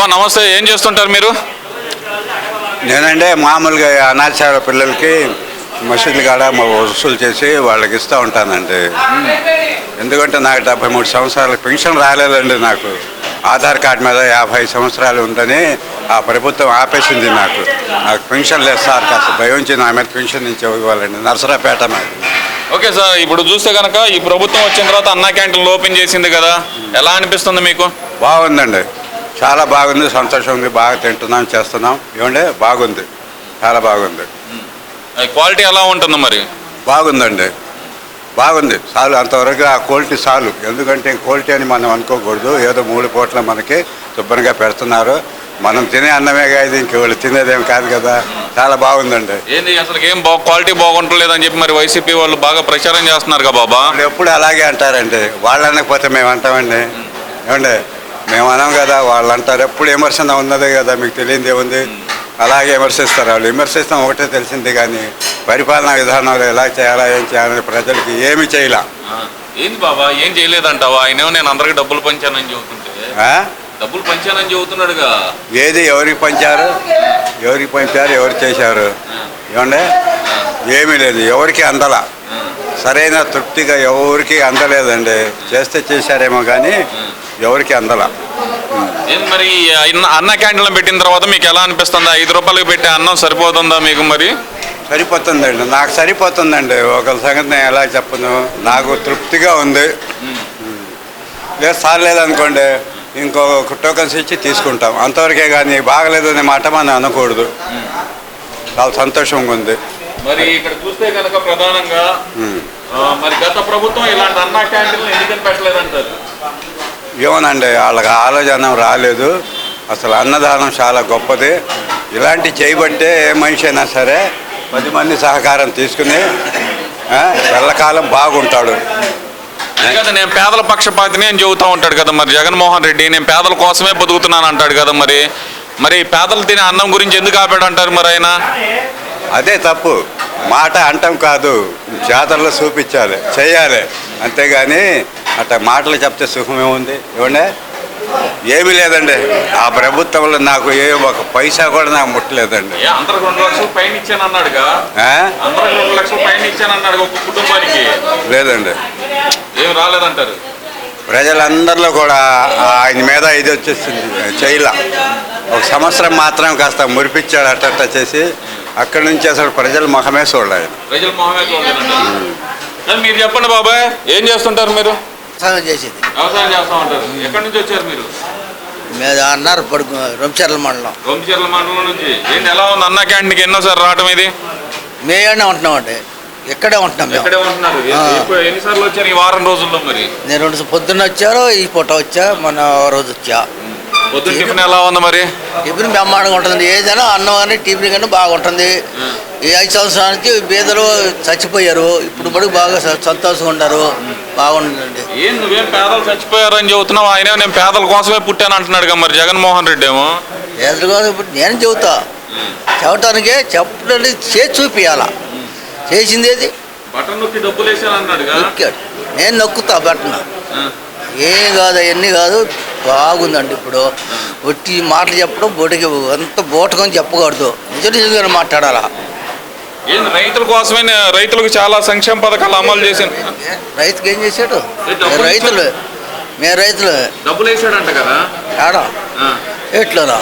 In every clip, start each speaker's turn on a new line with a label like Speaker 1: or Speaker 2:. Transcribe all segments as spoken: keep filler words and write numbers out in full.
Speaker 1: నమస్తే. ఏం చేస్తుంటారు మీరు?
Speaker 2: నేనంటే మామూలుగా అనాథశాల పిల్లలకి మసీదులు కాడ వసూలు చేసి వాళ్ళకి ఇస్తూ ఉంటానండి. ఎందుకంటే నాకు డెబ్బై మూడు సంవత్సరాల పెన్షన్ రాలేదండి. నాకు ఆధార్ కార్డు మీద యాభై సంవత్సరాలు ఉందని ఆ ప్రభుత్వం ఆపేసింది. నాకు నాకు పెన్షన్ లేదు సార్, కాస్త భయం నుంచి నా మీద పెన్షన్ నుంచి ఇవ్వాలండి. నర్సరాపేట మీద.
Speaker 1: ఓకే సార్, ఇప్పుడు చూస్తే కనుక ఈ ప్రభుత్వం వచ్చిన తర్వాత అన్నా క్యాంటీన్లు ఓపెన్ చేసింది కదా, ఎలా అనిపిస్తుంది మీకు?
Speaker 2: బాగుందండి, చాలా బాగుంది, సంతోషం ఉంది. బాగా తింటున్నాం, చేస్తున్నాం. ఏమంటే బాగుంది, చాలా బాగుంది.
Speaker 1: క్వాలిటీ ఎలా ఉంటుంది మరి?
Speaker 2: బాగుందండి, బాగుంది. చాలు, అంతవరకు ఆ క్వాలిటీ చాలు. ఎందుకంటే క్వాలిటీ అని మనం అనుకోకూడదు. ఏదో మూడు పూట్ల మనకి శుభ్రంగా పెడుతున్నారు. మనం తినే అన్నమే కాదు, ఇంక వాళ్ళు తినేదేం కాదు కదా. చాలా బాగుందండి.
Speaker 1: ఏంది అసలు ఏం బా క్వాలిటీ బాగుంటలేదని చెప్పి మరి వైసీపీ వాళ్ళు బాగా ప్రచారం చేస్తున్నారు కదా బాబా.
Speaker 2: వాళ్ళు ఎప్పుడు అలాగే అంటారండి. వాళ్ళు అనకపోతే మేము అంటామండి. ఏమండి, మేము అనం కదా, వాళ్ళు అంటారు. ఎప్పుడు విమర్శన ఉన్నదే కదా, మీకు తెలియదు ఏముంది. అలాగే విమర్శిస్తారు వాళ్ళు. విమర్శిస్తాం ఒకటే తెలిసింది, కానీ పరిపాలనా విధానాలు ఎలా చేయాలా, ఏం చేయాలని ప్రజలకి ఏమి చేయలే.
Speaker 1: ఏంది బాబా, ఏం చేయలేదంటావా? ఆయన నేను అందరికి డబ్బులు పంచానని చెబుతుంటే డబ్బులు పంచానని చెబుతున్నాడుగా.
Speaker 2: ఏది ఎవరికి పంచారు, ఎవరికి పంచారు, ఎవరు చేశారు? ఏమండే ఏమీ లేదు, ఎవరికి అందల. సరైన తృప్తిగా ఎవరికి అందలేదండి. చేస్తే చేశారేమో కానీ ఎవరికి అందల.
Speaker 1: మరి అన్న క్యాంటీన్లో పెట్టిన తర్వాత మీకు ఎలా అనిపిస్తుంది? ఐదు రూపాయలకు పెట్టే అన్నం సరిపోతుందా మీకు? మరి
Speaker 2: సరిపోతుందండి, నాకు సరిపోతుందండి. ఒక సంగతి నేను ఎలా చెప్పను, నాకు తృప్తిగా ఉంది. లేదు సార్ లేదనుకోండి, ఇంకో టోకన్స్ ఇచ్చి తీసుకుంటాం, అంతవరకే. కానీ బాగలేదు అనే మాట మనం అనకూడదు. చాలా సంతోషంగా ఉంది.
Speaker 1: మరి ఇక్కడ చూస్తే కనుక ప్రధానంగా మరి గత ప్రభుత్వం ఇలాంటి అన్నా క్యాంటీన్లు ఎందుకని పెట్టలేదంటారు?
Speaker 2: ఏమోనండి, వాళ్ళకి ఆలోచన రాలేదు. అసలు అన్నదానం చాలా గొప్పది. ఇలాంటి చేయబట్టే ఏ మనిషి అయినా సరే పది మంది సహకారం తీసుకుని ఎల్లకాలం బాగుంటాడు.
Speaker 1: కదా నేను పేదల పక్షపాతిని అని చెబుతూ ఉంటాడు కదా మరి జగన్మోహన్ రెడ్డి. నేను పేదల కోసమే బతుకుతున్నాను అంటాడు కదా. మరి మరి పేదలు తినే అన్నం గురించి ఎందుకు ఆపాడు అంటారు మరి ఆయన?
Speaker 2: అదే తప్పు. మాట అంటాం కాదు, జాతరలో చూపించాలి, చేయాలి. అంతేగాని అట్లా మాటలు చెప్తే సుఖమే ఉంది. ఏమండే ఏమీ లేదండి. ఆ ప్రభుత్వంలో నాకు ఏ ఒక పైసా కూడా నాకు ముట్టలేదండి.
Speaker 1: అందరికి రెండు లక్షలు పైన ఇచ్చాను అన్నాడుగా. అందరికి రెండు లక్షలు పైన ఇచ్చాను అన్నాడు ఒక కుటుంబానికి.
Speaker 2: లేదండి,
Speaker 1: ఏం రాలేదంటారు.
Speaker 2: ప్రజలందరిలో కూడా ఆయన మీద ఇది వచ్చేసింది. చేయలా, ఒక సంవత్సరం మాత్రం కాస్త మురిపించాడు అట్ట చేసి. అక్కడి నుంచి అసలు ప్రజల మొహమే చూడలేదు.
Speaker 1: ప్రజల మొహమే చూడలేదు. మీరు చెప్పండి బాబాయ్, ఏం చేస్తుంటారు మీరు?
Speaker 3: వ్యవసాయం చేసేది.
Speaker 1: వ్యవసాయం చేస్తా ఉంటారు. ఎక్కడి నుంచి వచ్చారు మీరు?
Speaker 3: మీద అన్నారు పడుకు రొంపిచెర్ల మండలం.
Speaker 1: రొంపిచెర్ల మండలం నుంచి. ఏంటి ఎలా ఉంది అన్నా క్యాంటీన్కి ఎన్నోసారి రావటం ఇది?
Speaker 3: మేమే ఉంటున్నాం అండి, ఇక్కడే ఉంటున్నాం.
Speaker 1: ఇక్కడే ఉంటున్నారు. ఎన్నిసార్లు వచ్చారు ఈ వారం రోజుల్లో? మరి
Speaker 3: నేను రెండు పొద్దున్న వచ్చారు, ఈ పూట వచ్చా, మన రోజు వచ్చా.
Speaker 1: పొద్దున్న టిఫిన్ ఎలా ఉంది మరి?
Speaker 3: టిఫిన్ బ్రహ్మాండంగా ఉంటుంది. ఏదైనా అన్నం కానీ టిఫిన్ కానీ బాగుంటుంది. ఈ ఐదు సంవత్సరానికి బీదలు చచ్చిపోయారు, ఇప్పుడు కూడా బాగా సంతోషంగా ఉంటారు. బాగుంటుందండి.
Speaker 1: ఏం నువ్వేం పేదలు చచ్చిపోయారు అని చెబుతున్నావు, ఆయన నేను పేదల కోసమే పుట్టాను అంటున్నాడు కదా మరి జగన్మోహన్ రెడ్డి ఏమో.
Speaker 3: పేదల కోసం ఇప్పుడు నేను చెబుతా, చెప్పడానికే చెప్పడానికి చేసి చూపించాలా. చేసింది ఏది?
Speaker 1: బటన్ నొక్కి డబ్బులు వేసాను అన్నాడు.
Speaker 3: నేను నొక్కుతా బటన్, ఏం కాదు, అవన్నీ కాదు. బాగుందండి. ఇప్పుడు ఒట్టి మాటలు చెప్పడం బోటికి అంత బోటకని చెప్పకూడదు, నిజ నిజంగా మాట్లాడాలా.
Speaker 1: ఏంది రైతుల కోసమే, రైతులకు చాలా సంక్షేమ పథకాలు అమలు చేశాను.
Speaker 3: రైతుకి ఏం చేశాడు? రైతులు మేము రైతులు
Speaker 1: డబ్బులు వేసాడంట కదా.
Speaker 3: ఆడా ఎట్లనా?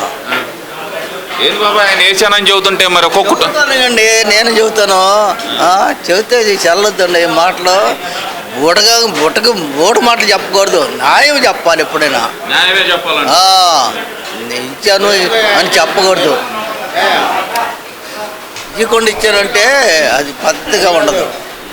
Speaker 1: ఏం బాబా ఆయన వేసానని చెబుతుంటే మరి ఒక్కొక్కటండి.
Speaker 3: నేను చెబుతాను, చెబితే చెల్లొద్దండి మాటలు. బుటగా బుటకు బోటు మాటలు చెప్పకూడదు, న్యాయం చెప్పాలి. ఎప్పుడైనా
Speaker 1: న్యాయమే చెప్పాలి.
Speaker 3: ఇచ్చాను అని చెప్పకూడదు. ఇవ్వకుండా ఇచ్చానంటే అది పద్ధతిగా ఉండదు.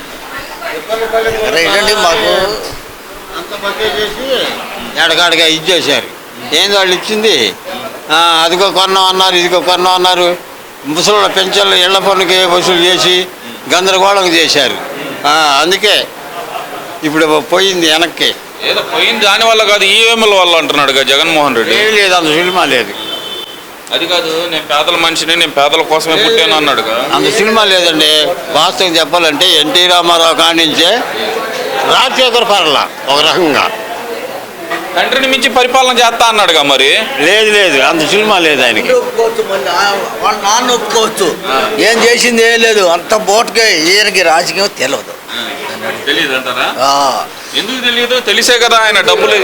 Speaker 3: ఏంటంటే మాకు
Speaker 4: అంత బకే చేసి ఎడగాడిగా ఇచ్చేసారు. ఏంది వాళ్ళు ఇచ్చింది? అదిగో కొన్నాం అన్నారు, ఇదిగో కొన్నాం అన్నారు. ముసలి పెన్షన్లు ఇళ్ల పన్నుకి వసూలు చేసి గందరగోళం చేశారు. అందుకే ఇప్పుడు పోయింది వెనక్కి.
Speaker 1: ఏదో పోయింది దానివల్ల కాదు, ఈఎంఎల్ వల్ల అంటున్నాడు కదా జగన్మోహన్ రెడ్డి.
Speaker 4: ఏం లేదు, అంత సినిమా లేదు.
Speaker 1: అది కాదు, నేను పేదల మనిషిని, నేను పేదల కోసమే పుట్టాను అన్నాడు.
Speaker 4: అంత సినిమా లేదండి. వాస్తవం చెప్పాలంటే ఎన్టీ రామారావు కాడి నుంచే రాజశేఖర్ పర్ల ఒక రకంగా
Speaker 1: తండ్రిని మించి పరిపాలన చేస్తా అన్నాడుగా మరి.
Speaker 4: లేదు లేదు అంత సినిమా లేదు ఆయనకి.
Speaker 3: ఒప్పుకోవచ్చు మళ్ళీ ఆ- వాళ్ళ నాన్న ఒప్పుకోవచ్చు. ఏం చేసింది ఏం లేదు, అంత బోటుకే ఈయనకి రాజకీయం తెలియదు.
Speaker 1: తెలియదు అంటారా?
Speaker 3: ఆ.
Speaker 1: ఎందుకు తెలియదు? తెలిసే కదా ఆయన డబ్బులు.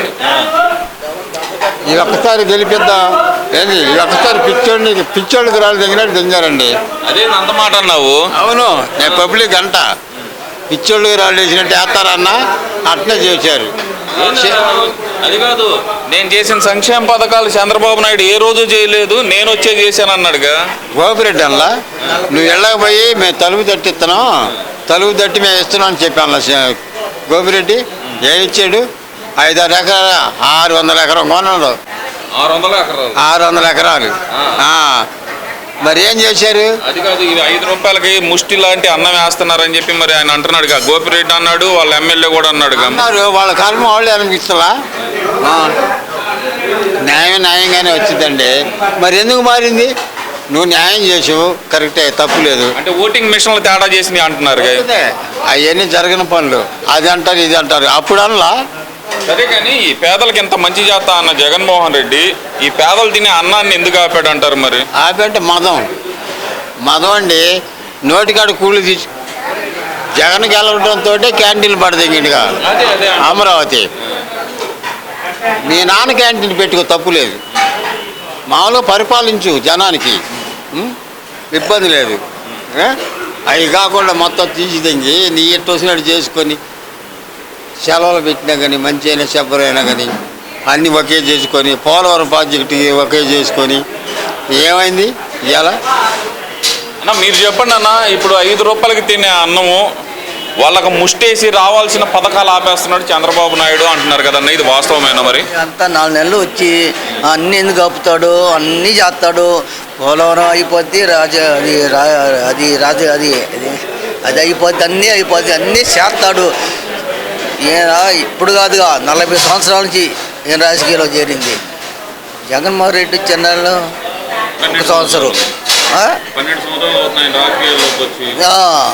Speaker 4: ఈ ఒక్కసారి గెలిపిద్దాం ఏంది, ఈ ఒక్కసారి పిచ్చోడిని పిచ్చోళ్ళకి రాళ్ళు దిగినట్టు దింగారండి.
Speaker 1: అదే అంత మాట అన్నావు.
Speaker 4: అవును, నేను పబ్లిక్ అంట పిచ్చోళ్ళకి రాళ్ళు వేసినట్టు వేస్తారన్నా అట్నే చేశారు.
Speaker 1: అది కాదు, నేను చేసిన సంక్షేమ పథకాలు చంద్రబాబు నాయుడు ఏ రోజు చేయలేదు, నేను వచ్చే చేశాను అన్నాడుగా.
Speaker 4: గోపిరెడ్డి అలా నువ్వు వెళ్ళకపోయి మేము తలుపు తట్టి ఇస్తున్నాం, తలుపు తట్టి మేము ఇస్తున్నాం అని చెప్పాను. గోపిరెడ్డి ఏమి ఇచ్చాడు? ఐదారు ఎకరాలు ఆరు వందల ఎకరం కొన్నాడు.
Speaker 1: ఆరు వందల ఎకరాలు
Speaker 4: ఆరు వందల ఎకరాలు ఆ. మరి ఏం చేశారు?
Speaker 1: అది కాదు, ఇది ఐదు రూపాయలకి ముష్టి లాంటి అన్నం వేస్తున్నారని చెప్పి మరి ఆయన అంటున్నాడుగా. గోపిరెడ్డి అన్నాడు, వాళ్ళ ఎమ్మెల్యే కూడా అన్నాడుగా.
Speaker 4: అన్నారు వాళ్ళ కర్మ వాళ్ళు అనిపిస్తలా. న్యాయం న్యాయంగానే వచ్చిందండి. మరి ఎందుకు మారింది? నువ్వు న్యాయం చేసావు, కరెక్టే, తప్పు లేదు.
Speaker 1: అంటే ఓటింగ్ మిషన్లు తేడా చేసినాయి అంటున్నారు.
Speaker 4: అవన్నీ జరగని పనులు, అది అంటారు ఇది అంటారు. అప్పుడు అనలా.
Speaker 1: సరే కానీ ఈ పేదలకు ఎంత మంచి చేస్తా అన్న జగన్మోహన్ రెడ్డి ఈ పేదలు తినే అన్నాన్ని ఎందుకు ఆపాడు అంటారు మరి?
Speaker 4: ఆపంటే మదం మదం అండి. నోటికాడు కూలి తీసి జగన్ గెలవడంతో క్యాంటీన్లు పడదగినగా అమరావతి. మీ నాన్న క్యాంటీన్ పెట్టుకో, తప్పు లేదు. మామూలుగా పరిపాలించు జనానికి, ఉం? ఇబ్బంది లేదు. ఏ? అవి కాకుండా మొత్తం తీసి తెంగి నీ ఎట్టు వచ్చినట్టు చేసుకొని సెలవులు పెట్టినా కానీ మంచి అయినా చెప్పరైనా కానీ అన్నీ ఒకే చేసుకొని పోలవరం ప్రాజెక్టు ఒకే చేసుకొని ఏమైంది ఇవాళ?
Speaker 1: అన్న మీరు చెప్పండి అన్న, ఇప్పుడు ఐదు రూపాయలకి తినే అన్నము వాళ్ళకు ముష్టేసి రావాల్సిన పథకాలు ఆపేస్తున్నాడు చంద్రబాబు నాయుడు అంటున్నారు కదన్న, ఇది వాస్తవమేనా మరి?
Speaker 3: అంతా నాలుగు నెలలు వచ్చి అన్ని ఎందుకు ఆపుతాడు, అన్నీ చేస్తాడు. పోలవరం అయిపోద్ది, రాజ అది రా అది రాజ అది అది అది అయిపోద్ది, అన్నీ అయిపోద్ది, అన్నీ చేస్తాడు. ఈయన ఇప్పుడు కాదుగా నలభై సంవత్సరాల నుంచి ఈయన రాజకీయాల్లో చేరింది. జగన్మోహన్ రెడ్డి చెన్నైలో ఒక సంవత్సరం. ఆ?
Speaker 1: పన్నెండు సంవత్సరాలు అవుతున్నాయి రాజకీయాల్లోకి వచ్చి.
Speaker 3: ఆ.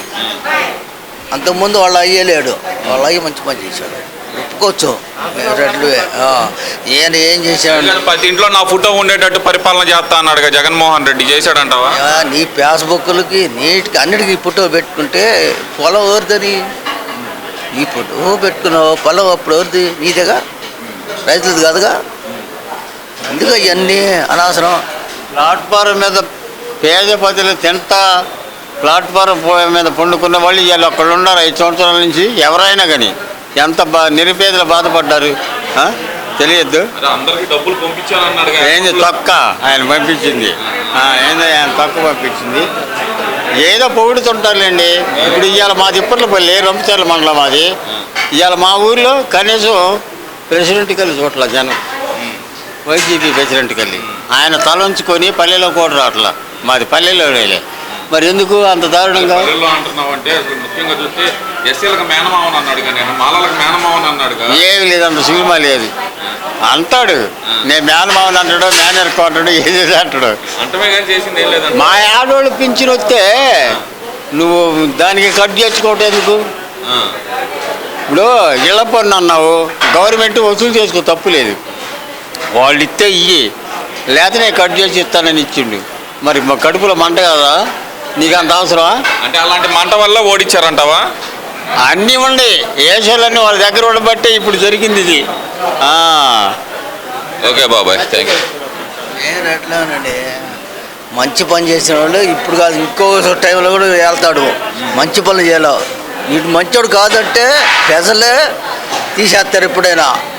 Speaker 3: అంతకుముందు వాళ్ళ అయ్యలేడు, వాళ్ళ అయ్యి మంచి పని చేశాడు, ఒప్పుకోవచ్చు. రెడ్లు ఆ. ఈయన ఏం చేశాడు?
Speaker 1: ప్రతి ఇంట్లో నా ఫోటో ఉండేటట్టు పరిపాలన చేస్తా అన్నాడుగా జగన్మోహన్ రెడ్డి, చేశాడంటావా?
Speaker 3: ఆ, నీ ఫేస్బుక్లకి నీటికి అన్నిటికీ ఫోటో పెట్టుకుంటే పొలం ఎవరిదని? ఈ ఫోటో పెట్టుకున్నావు, పొలం అప్పుడు ఎవరిది? నీదేగా, రైతులది కాదుగా. అందుకే ఇవన్నీ అనవసరం.
Speaker 4: ప్లాట్ఫారం మీద పేద ప్రజలు తింటా ప్లాట్ఫారం మీద పండుకున్న వాళ్ళు ఇవాళ అక్కడ ఉన్నారు. ఐదు సంవత్సరాల నుంచి ఎవరైనా కానీ ఎంత బా నిరుపేదలు బాధపడ్డారు తెలియద్దు.
Speaker 1: అందరికి డబ్బులు పంపించాలన్నాడు.
Speaker 4: ఏంది తొక్క ఆయన పంపించింది? ఏందో ఆయన తొక్క పంపించింది. ఏదో పొగుడుతుంటారులేండి. ఇప్పుడు ఇవాళ మాది ఇప్పట్లపల్లి రంపచర్ల మండలం మాది. ఇవాళ మా ఊర్లో కనీసం ప్రెసిడెంట్ కలిసి చోట్ల జనం వైసీపీ ప్రెసిడెంట్ కలిసి ఆయన తలంచుకొని పల్లెలో కూడా రావట్లా. మాది పల్లెలో వేలే. మరి ఎందుకు అంత దారుణంగా
Speaker 1: అంటున్నావు అంటే ముఖ్యంగా చూస్తే ఎస్సీలకు మేనమావన్ అన్నాడు, కానీ మాలలకు మేనమావన్ అన్నాడు.
Speaker 4: ఏమి లేదు, అంత సినిమా లేదు అంటాడు. నేను మేనమావన్ అంటాడు, మేనర్కో అంటాడు, ఏదేదో అంటాడు.
Speaker 1: అంటమే కానీ చేసింది ఏం లేదు.
Speaker 4: మా ఆడవాళ్ళు పింఛన్ వస్తే నువ్వు దానికి కట్ చేసుకోవటం ఎందుకు? ఇప్పుడు ఇళ్ల పన్ను అన్నావు, గవర్నమెంట్ వసూలు చేసుకో, తప్పు లేదు. వాళ్ళు ఇస్తే ఇయ్యి, లేకపోతే నేను కట్ చేసి ఇస్తానని ఇచ్చిండు. మరి మా కడుపులో మంట కదా, నీకు అంత అవసరమా?
Speaker 1: అంటే అలాంటి మంట వల్ల ఓడిచ్చారంటావా?
Speaker 4: అన్నీ ఉండి ఏషాలన్నీ వాళ్ళ దగ్గర ఉండబట్టే ఇప్పుడు జరిగింది ఇది.
Speaker 1: ఓకే బాబాయ్, థ్యాంక్ యూ.
Speaker 3: నేను ఎట్లానండి, మంచి పని చేసిన వాళ్ళు ఇప్పుడు కాదు ఇంకో టైంలో కూడా వెళ్తాడు. మంచి పనులు చేయాలి. వీడు మంచోడు కాదంటే ప్రజలే తీసేస్తారు ఎప్పుడైనా.